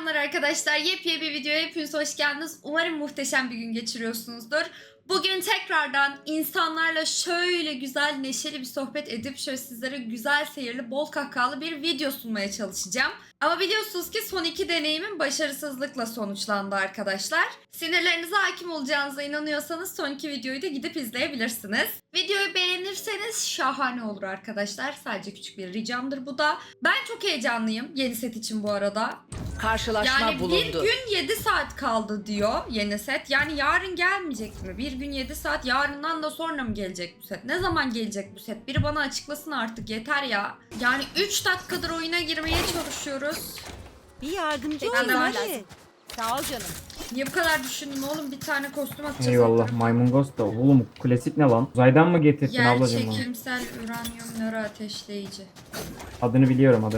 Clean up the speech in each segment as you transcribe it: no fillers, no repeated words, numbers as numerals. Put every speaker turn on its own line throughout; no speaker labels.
Selamlar arkadaşlar. Yepyeni bir videoya hepiniz hoş geldiniz. Umarım muhteşem bir gün geçiriyorsunuzdur. Bugün tekrardan insanlarla şöyle güzel, neşeli bir sohbet edip şöyle sizlere güzel seyirli, bol kahkahalı bir video sunmaya çalışacağım. Ama biliyorsunuz ki son iki deneyimim başarısızlıkla sonuçlandı arkadaşlar. Sinirlerinize hakim olacağınıza inanıyorsanız son iki videoyu da gidip izleyebilirsiniz. Videoyu beğenirseniz şahane olur arkadaşlar. Sadece küçük bir ricamdır bu da. Ben çok heyecanlıyım yeni set için bu arada.
Karşılaşma
Yani
bulundu.
bir gün 7 saat kaldı diyor yeni set. Yani yarın gelmeyecek mi? Bir gün 7 saat, yarından da sonra mı gelecek bu set? Ne zaman gelecek bu set? Biri bana açıklasın artık, yeter ya. Yani 3 dakikadır oyuna girmeye çalışıyoruz.
Bir yardımcı
Ben de
olun
var.
hadi. Sağ ol canım.
Niye bu kadar düşündün oğlum? Bir tane kostüm atacağız.
Eyvallah maymun ghost da. Oğlum klasik ne lan? Uzaydan mı getirdin
Yer
ablacığım bunu?
çekimsel uranyum nöro ateşleyici.
Adını biliyorum.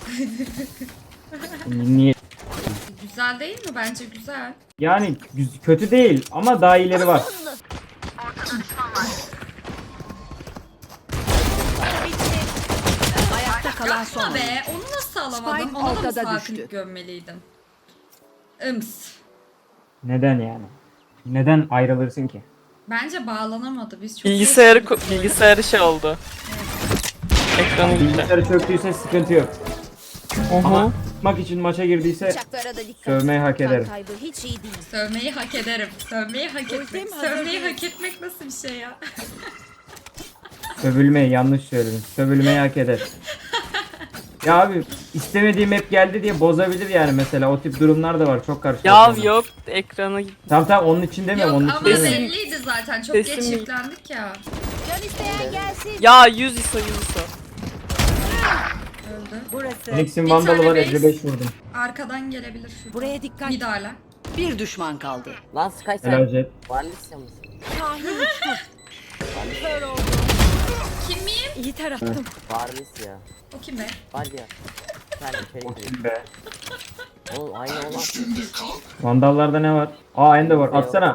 Niye?
Güzel değil mi? Bence güzel.
Yani kötü değil ama daha iyileri var.
Ayakta kalan son.
Yapma be. Onu nasıl alamadım?
Spike
Ona da mı
ortada
sakinlik
düştü.
gömmeliydim?
Neden yani? Neden ayrılırsın ki?
Bence bağlanamadı. Biz çok
Bilgisayarı şey oldu. Ekranı gitti.
Bilgisayarı çöktüyse sıkıntı yok. Ama tutmak için maça girdiyse
Bıçaklara da dikkat.
sövmeyi hak ederim.
Kan kaybı hiç iyi değil.
Sövmeyi hak ederim. Sövmeyi hak etmek.
Ultim hazır
Sövmeyi
değil.
hak etmek nasıl bir şey ya?
Sövülmeyi yanlış söyledim. Sövülmeyi hak eder. Ya abi istemediğim hep geldi diye bozabilir yani mesela. O tip durumlar da var. Çok
Ya
karşılaşıyorum.
yok, ekranı gitti.
Tamam onun için demiyorum.
Yok
Onun için
ama
demiyorum.
belliydi zaten. Çok
Sesim
geç
iyi.
yüklendik ya.
Can isteyen gelsin.
Ya 100 ISO.
Öldü.
Burası.
Phoenix'in
Bir
vandalı
tane
var.
base.
55 vurdum.
Arkadan gelebilir şurada.
Buraya dikkat.
Bir daha hala.
Bir düşman kaldı.
Lan Sky
Helal
sen
Jet.
Varlisya mısın?
Kahin uçtu. Kör oldu.
Kim miyim?
İyi tarattım.
Varlisya.
O kim be?
Var ya. Sen içeri
O
gir.
kim be?
Oğlum aynı olan.
Vandallarda ne var? Aa Ender var. Atsana.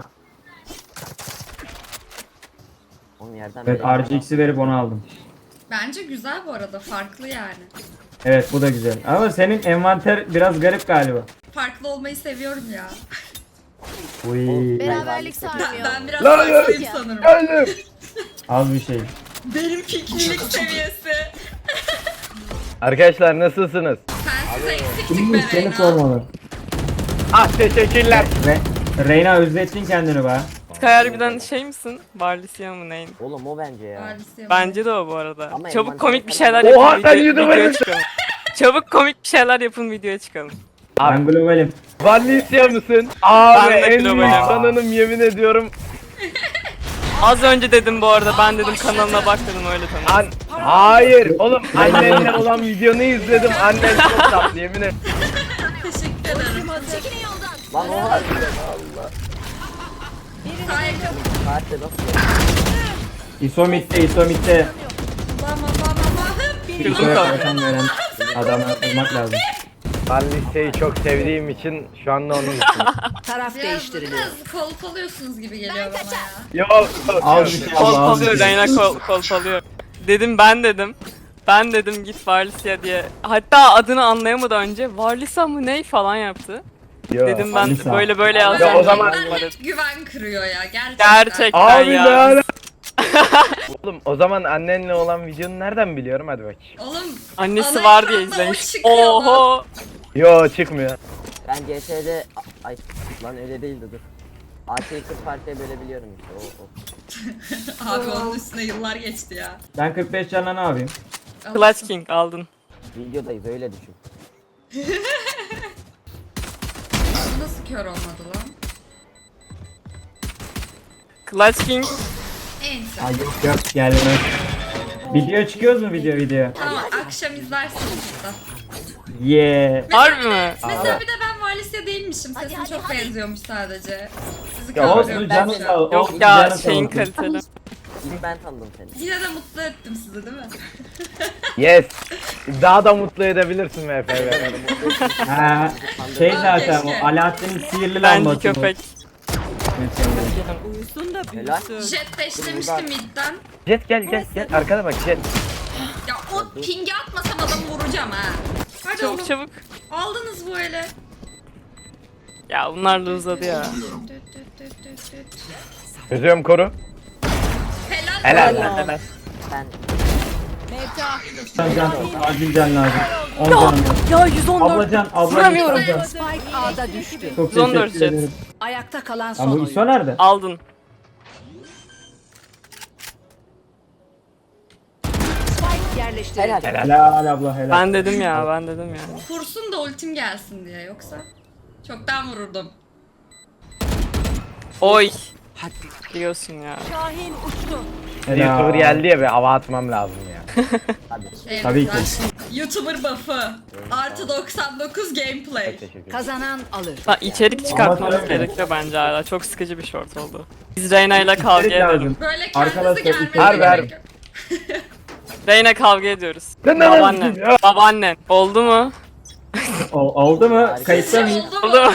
Oğlum yerden
Evet
böyle-
RGX'i verip onu aldım.
Bence güzel bu arada. Farklı yani.
Evet bu da güzel. Ama senin envanter biraz garip galiba.
Farklı olmayı seviyorum ya.
Uy.
Beraberlik
Ben,
sarmıyor.
ben biraz farklıyım sanırım.
Az bir şey.
Benim piknilik seviyesi.
Arkadaşlar nasılsınız?
Sensiz eksiklik
Kim
be
seni
Reyna.
sormalı.
Ah teşekkürler.
Reyna özlettin kendini be.
Sky harbiden şey misin? Barlisya mı neyin?
Oğlum o bence ya.
Maalesef.
Bence de o bu arada.
Ama
Çabuk
envanter
komik bir
falan-
şeyler
Oha,
yapın,
sen
videoya
YouTuber'sın.
çıkalım. Çabuk komik bir şeyler yapın, videoya çıkalım.
Ben globalim.
Varlisya mısın? Abi
Ben de
en büyük
globalim.
fanınım yemin ediyorum.
Az önce dedim bu arada, ben dedim kanalına bak dedim, öyle tanıdım.
Hayır oğlum annenle olan videonu izledim. Annen çok tatlı yemin ederim.
Teşekkür ederim.
Lan o var.
Sağ yakın.
Saatte nasıl?
İsomit'te.
Bama.
Kırdım
İsoya
kaldı.
kalkan veren adamı bulmak lazım.
Varlisya'yı çok sevdiğim için şu anda onun için.
Taraf değiştiriliyor.
Biraz kolpalıyorsunuz gibi geliyor bana ya.
Yok.
Az bir şey abla az bir
Kolpalıyor,
şey.
Reyna kolpalıyor. Dedim ben dedim git Varlisya diye. Hatta adını anlayamadan önce Varlisya mı ney falan yaptı.
Yok.
Dedim ben
Varlisya.
böyle
Ama
yazacağım.
o zaman-
ben hep güven kırıyor ya gerçekten.
Gerçekten
Abi
ya.
ne ala- Oğlum o zaman annenle olan videonu nereden biliyorum hadi bak.
Oğlum
Annesi
ana
var diye
ekranda o
izlemiş.
çıkıyordu.
Oho.
Yo çıkmıyor.
Ben CS'de... Ay lan öyle değildi dur. AK'yi 40 parçaya bölebiliyorum işte o.
Abi onun üstüne yıllar geçti ya.
Ben 45 canla ne yapayım?
Clutch King aldın.
Videodayız öyle düşün.
Nasıl kör olmadı lan?
Clutch King
Neyse.
Ay yok gelmez. Video çıkıyoruz mu video?
Tamam akşam izlersiniz burada.
Yeah.
harbi mi?
Mesela bir de ben Valisya değilmişim. Sesim çok benziyormuş sadece. Sizi
Ya
Olsun
kandırıyorum.
canı sağ ol.
Yok
olsun,
ya,
canı sağ
şeyin
olsun.
kaliteli.
İlk ben tanıdım seni.
Yine de mutlu ettim sizi değil mi?
Yes. Daha da mutlu edebilirsin MFV.
Ha, şey zaten
keşke.
o Alaaddin'in sihirli
Bence
lambası bu.
köpek.
Uyusun da
Helal.
büyüsün.
Jet deşlemişti midden.
Jet gel arkada bak Jet.
Ya o pingi atmasam adamı vuracağım ha. Hadi oğlum.
Çabuk.
Aldınız bu ele.
Ya bunlar da uzadı ya.
Çözüyorum koru.
Helal.
Helal lan helal.
Ben
Can, acil can lazım. 10 canım var.
Ya 114.
Ablacan,
Vuramıyorum.
ablacan.
Spike A'da düştü.
Çok
114
teşekkür
jet.
ederim.
Ayakta kalan
Lan
son
bu
oyuncu.
ISO nerede?
Aldın.
Spike yerleştirildi.
helal.
Helal abla helal.
Ben dedim ya, ben dedim ya.
Kursun da ultim gelsin diye, yoksa çoktan vururdum.
Oy. Diyorsun ya.
Şahin uçtu.
Helal.
YouTuber geldi ya be hava atmam lazım ya.
Evet,
Tabii ki.
YouTuber buff'ı. Artı 99 gameplay.
Teşekkür ederim.
Kazanan alır.
Ha, içerik çıkartmamız
Ama tabii.
gerekiyor bence hala. Çok sıkıcı bir short oldu. Biz Reyna ile kavga
İçerik
edelim.
lazım.
Böyle
Arkadaşlar,
kendinizi
içerik-
gelmenize
Ver,
gerek yok.
Reyna kavga ediyoruz.
Lan,
Babaannen. Babaannen. Oldu mu?
Oldu mu?
Harika.
Kayıtta mıyız?
Oldu mu?
Oldu mu?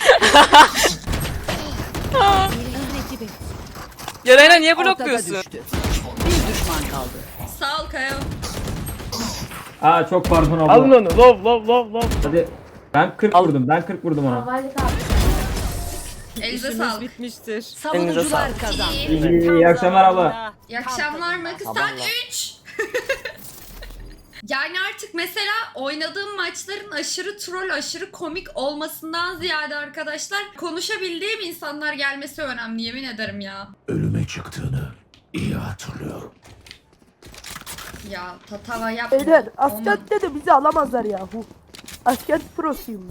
Ya Reyna niye
Ortada
blokluyorsun?
düştü. Bir düşman kaldı.
Sağ ol Kayo.
Aa çok pardon abla.
Alın onu. Love.
Hadi. Ben 40 vurdum. Ben 40 vurdum ona.
Elinize sağlık.
Elinize
Savunucular
sağlık.
kazandı.
İyi akşamlar abla.
İyi akşamlar Makıstan 3. Yani artık mesela oynadığım maçların aşırı troll, aşırı komik olmasından ziyade arkadaşlar konuşabildiğim insanlar gelmesi önemli, yemin ederim ya.
Ölüme çıktığını iyi hatırlıyorum.
Ya tatava yapma.
Beyler
Olmadı.
askerde de bizi alamazlar yahu. Asker prosuyum.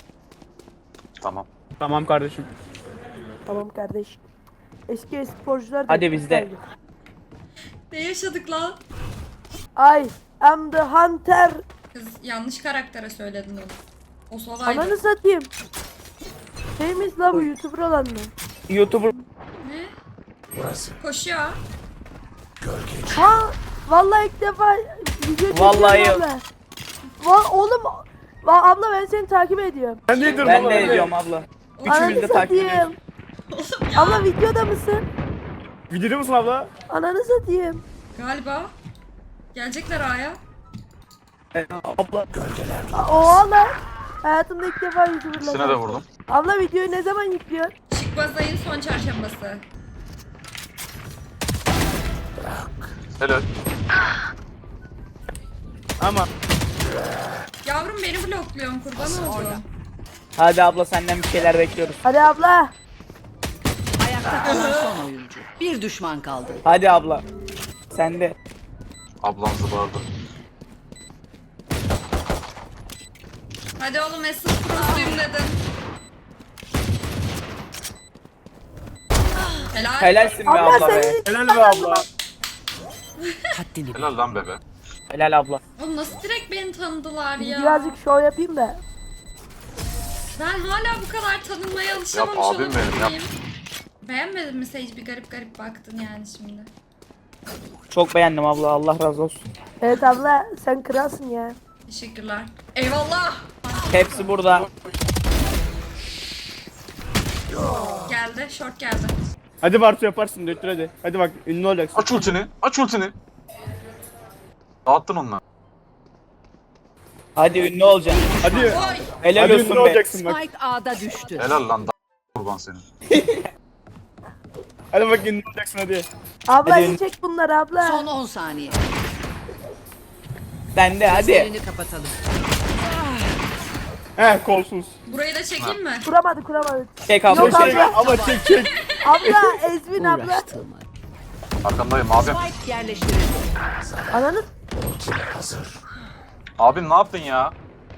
Tamam kardeşim.
Tamam kardeş. Eski sporcular da
Hadi bizde.
sayılır.
Ne yaşadık lan?
I am the hunter.
Kız yanlış karaktere söyledin onu. O solaydı.
Ananı satayım. Şey miyiz la bu YouTuber olan mı?
YouTuber
Ne?
Burası
Koşuyor.
gölge.
Ha vallahi ilk defa video
Vallahi
çekiyorum abla. Oğlum abla ben seni takip ediyorum.
ben de ediyorum abla.
Ananı
de takip
satayım. Abla videoda mısın?
Videoda musun abla?
Ananı satayım.
Galiba. Gelecekler A'ya.
Abla.
Oha lan. Hayatımda ilk defa YouTuber'la.
İkisine de vurdum.
Abla videoyu ne zaman yüklüyorsun?
Çıkmaz ayın son çarşambası.
Helal.
Ama.
Yavrum beni blokluyorsun, kurban oldum.
Hadi abla senden bir şeyler bekliyoruz.
Hadi abla.
Ayakta kalan son oyuncu. Bir düşman kaldı.
Hadi abla. Sen de.
Ablam zıbardı.
Hadi oğlum Essence Pro'suyum dedim. Helal.
Helalsin be
Abla
abla be.
senin
Helal be abla.
Haddini bil.
Helal lan bebe.
Helal abla.
Oğlum nasıl direkt beni tanıdılar ya?
birazcık show yapayım da.
Ben hala bu kadar tanınmaya alışamamış
Yap abim
olabilir
benim, yap.
miyim? Beğenmedin mi Sage? Bir garip garip baktın yani şimdi.
Çok beğendim abla. Allah razı olsun.
Evet abla sen kralsın ya.
Teşekkürler. Eyvallah.
Hepsi burada.
Geldi. Short geldi.
Hadi Bartu yaparsın döktür hadi. Hadi bak ünlü olacaksın.
Aç ultini. Aç ultini. Dağıttın onları.
Hadi ünlü olacaksın. Hadi.
Oy.
Helal olsun be. olacaksın bak.
Spike A'da düştü.
Helal lan kurban senin.
Hadi bak ünlü olacaksın hadi.
Abla
Hadi.
iyi çek bunları abla.
Son 10 saniye.
Sen de hadi.
Gözlerini kapatalım.
He kolsuz.
Burayı da çekeyim mi?
Kuramadı.
Çek abla
Yok
çek.
abla.
Abla çek.
Abla Ezmin abla.
Uğraştığım
Arkandayım abim.
Spike yerleştirildi.
Ananı
Ultim hazır.
Abim ne yaptın ya?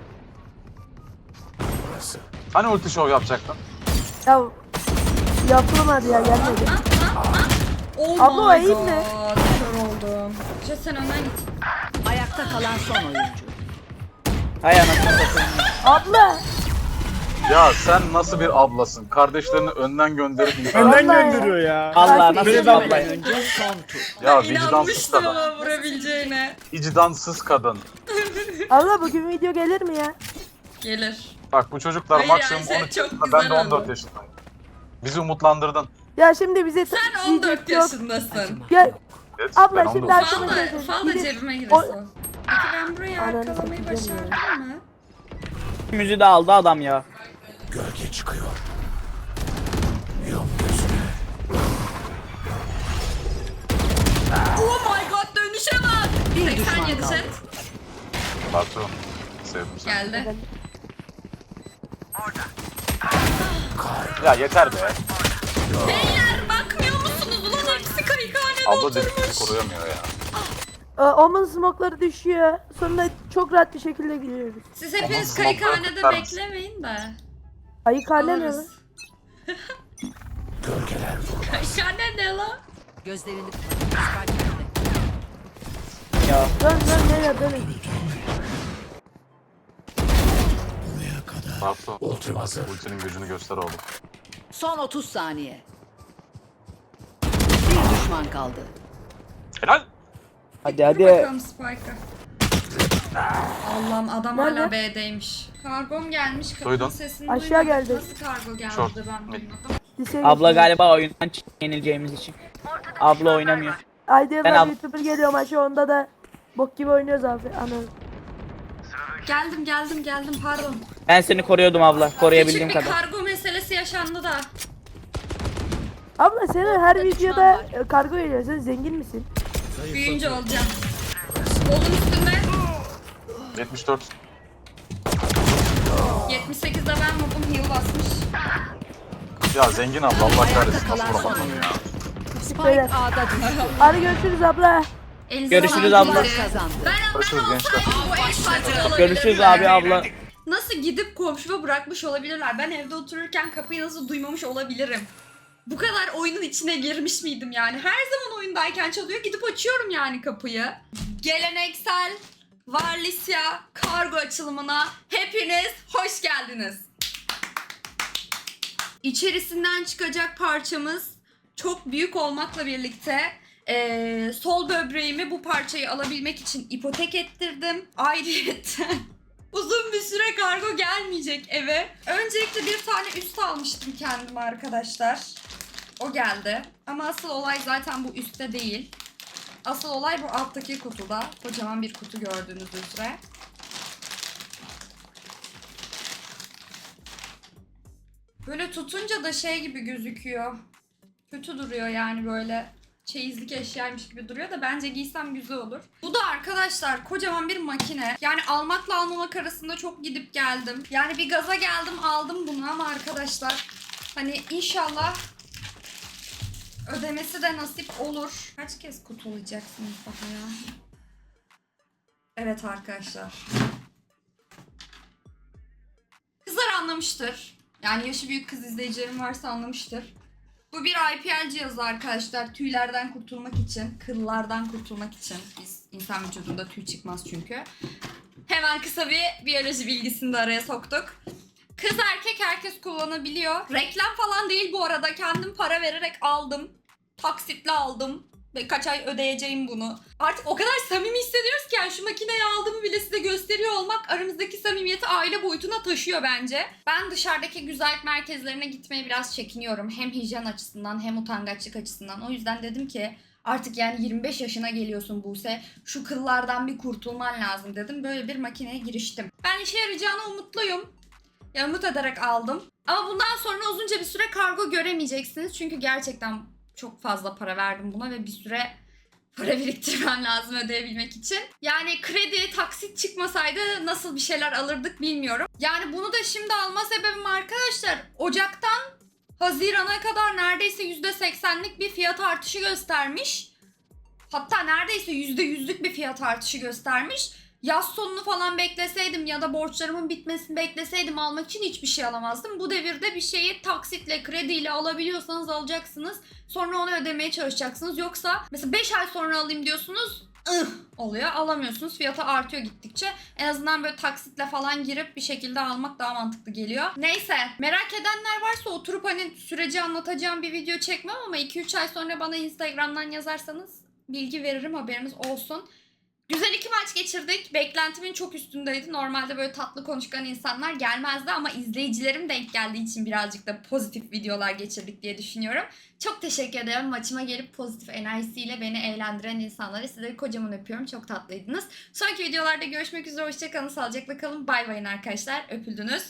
Burası.
Hani ulti show yapacaktın?
ya yapılmadı ya gelmedi.
Oh
Abla, o
my
eğim
god.
ne?
Kör oldum. Jet sen önden git.
Ayakta kalan son oyuncu.
Hay anasını satayım.
Abla.
Ya sen nasıl bir ablasın? Kardeşlerini önden gönderip insan.
Önden
Vallahi.
gönderiyor ya. Allah nasıl bir
Geçmeden
abla ya.
önce son tur.
Ya vicdansız
İnanmıştım
kadın.
ama vurabileceğine.
Vicdansız kadın.
Abla bugün video gelir mi ya?
Gelir.
Bak bu çocuklar
Hayır
maksimum
yani,
13
çok
yaşında,
güzel
ben de 14
oldu.
yaşındayım. Bizi umutlandırdın.
Ya şimdi bize
Sen 14 yaşındasın.
Ya
Evet,
abla
ben
şimdi
19.
aklıma
Fal da,
geldi.
fal da
Bir de-
cebime
O-
giresin. Peki ben burayı
Ananı
arkalamayı
satacağım
başardım mı?
Müziği de aldı adam ya.
Gölge çıkıyor. Yum gözüne.
Oh my god, dönüşe bak.
Bir düşman
87
kaldı.
chat.
Batu. Sevdim seni.
Geldi.
Ya yeter be.
Beyler bakmıyor musunuz? Ulan hepsi kayıkhanede
Abla
oturmuş.
dedikleri koruyamıyor ya.
Omun smoke'ları düşüyor. Sonra çok rahat bir şekilde giriyoruz.
Siz hepiniz
Ama
kayıkhanede
smoke'lar kutlar
beklemeyin de.
Ayıkhane ne lan?
Alırız.
Gölgeler vurur.
Kayıkhane ne lan?
Gözlerini Spike nerede?
Dön nereye dönün.
Buraya kadar.
Batu.
Ultim hazır.
Ultinin gücünü göster oğlum.
Son 30 saniye. Bir düşman kaldı.
Helal.
Hadi
Dur
hadi.
bakalım Spike'a. Allah'ım adam hala
Nerede?
B'deymiş. Kargom gelmiş. Kapının
Duydun.
sesini
Aşağı
duydum.
geldi.
Nasıl kargo geldi
Short.
de ben
Mid.
duymadım.
Liseye
Abla
geçiyoruz.
galiba oyundan yenileceğimiz için. Abla oynamıyor.
Ayda
Ben
yıllar YouTuber geliyor maçı, onda da bok gibi oynuyoruz abi. Anladım.
Geldim pardon.
Ben seni koruyordum abla. Koruyabildiğim
Küçük bir
kadar.
kargo meselesi yaşandı da.
Abla senin her videoda kargo geliyor. Sen zengin misin?
Büyüyünce olacağım. Kolun üstünde.
74.
78'de ben mobum heal basmış.
Ya zengin abla Allah kahretsin. Nasıl
kalan son
vuramadın ya?
Beyler.
Spike A'da düştü.
Hadi görüşürüz abla.
Elinize
Görüşürüz
sağlık.
abla.
Kazandı.
Ben
Görüşürüz gençler.
bu eş farklı olabilir.
Görüşürüz abi abla.
Nasıl gidip komşuma bırakmış olabilirler? Ben evde otururken kapıyı nasıl duymamış olabilirim? Bu kadar oyunun içine girmiş miydim yani? Her zaman oyundayken çalıyor, gidip açıyorum yani kapıyı. Geleneksel Varlisya kargo açılımına hepiniz hoş geldiniz. İçerisinden çıkacak parçamız çok büyük olmakla birlikte sol böbreğimi bu parçayı alabilmek için ipotek ettirdim. Ayrıyeten uzun bir süre kargo gelmeyecek eve. Öncelikle bir tane üst almıştım kendime arkadaşlar. O geldi. Ama asıl olay zaten bu üstte değil. Asıl olay bu alttaki kutuda. Kocaman bir kutu gördüğünüz üzere. Böyle tutunca da şey gibi gözüküyor. Kötü duruyor yani böyle. Çeyizlik eşyaymış gibi duruyor da bence giysem güzel olur. Bu da arkadaşlar kocaman bir makine. Yani almakla almamak arasında çok gidip geldim. Yani bir gaza geldim aldım bunu ama arkadaşlar hani inşallah ödemesi de nasip olur. Kaç kez kutulayacaksınız daha ya? Evet arkadaşlar. Kızlar anlamıştır. Yani yaşı büyük kız izleyicilerim varsa anlamıştır. Bu bir IPL cihazı arkadaşlar. Tüylerden kurtulmak için, kıllardan kurtulmak için. İnsan vücudunda tüy çıkmaz çünkü. Hemen kısa bir biyoloji bilgisini de araya soktuk. Kız erkek herkes kullanabiliyor. Reklam falan değil bu arada. Kendim para vererek aldım. Taksitle aldım. Ve kaç ay ödeyeceğim bunu. Artık o kadar samimi hissediyoruz ki yani şu makineyi aldığımı bile size gösteriyor olmak aramızdaki samimiyeti aile boyutuna taşıyor bence. Ben dışarıdaki güzellik merkezlerine gitmeye biraz çekiniyorum. Hem hijyen açısından hem utangaçlık açısından. O yüzden dedim ki artık yani 25 yaşına geliyorsun Buse. Şu kıllardan bir kurtulman lazım dedim. Böyle bir makineye giriştim. Ben işe yarayacağına umutluyum. Ya umut ederek aldım. Ama bundan sonra uzunca bir süre kargo göremeyeceksiniz. Çünkü gerçekten çok fazla para verdim buna ve bir süre para biriktirmem lazım ödeyebilmek için. Yani kredi, taksit çıkmasaydı nasıl bir şeyler alırdık bilmiyorum. Yani bunu da şimdi alma sebebim arkadaşlar Ocak'tan Haziran'a kadar neredeyse %80'lik bir fiyat artışı göstermiş. Hatta neredeyse %100'lük bir fiyat artışı göstermiş. Yaz sonunu falan bekleseydim ya da borçlarımın bitmesini bekleseydim almak için hiçbir şey alamazdım. Bu devirde bir şeyi taksitle, krediyle alabiliyorsanız alacaksınız. Sonra onu ödemeye çalışacaksınız. Yoksa mesela 5 ay sonra alayım diyorsunuz oluyor. Alamıyorsunuz. Fiyatı artıyor gittikçe. En azından böyle taksitle falan girip bir şekilde almak daha mantıklı geliyor. Neyse. Merak edenler varsa oturup hani süreci anlatacağım bir video çekmem ama 2-3 ay sonra bana Instagram'dan yazarsanız bilgi veririm, haberiniz olsun. Güzel 2 maç geçirdik. Beklentimin çok üstündeydi. Normalde böyle tatlı konuşkan insanlar gelmezdi ama izleyicilerim denk geldiği için birazcık da pozitif videolar geçirdik diye düşünüyorum. Çok teşekkür ederim. Maçıma gelip pozitif enerjisiyle beni eğlendiren insanlara. Sizleri kocaman öpüyorum. Çok tatlıydınız. Sonraki videolarda görüşmek üzere. Hoşçakalın. Sağlıcakla kalın. Bay bayın arkadaşlar. Öpüldünüz.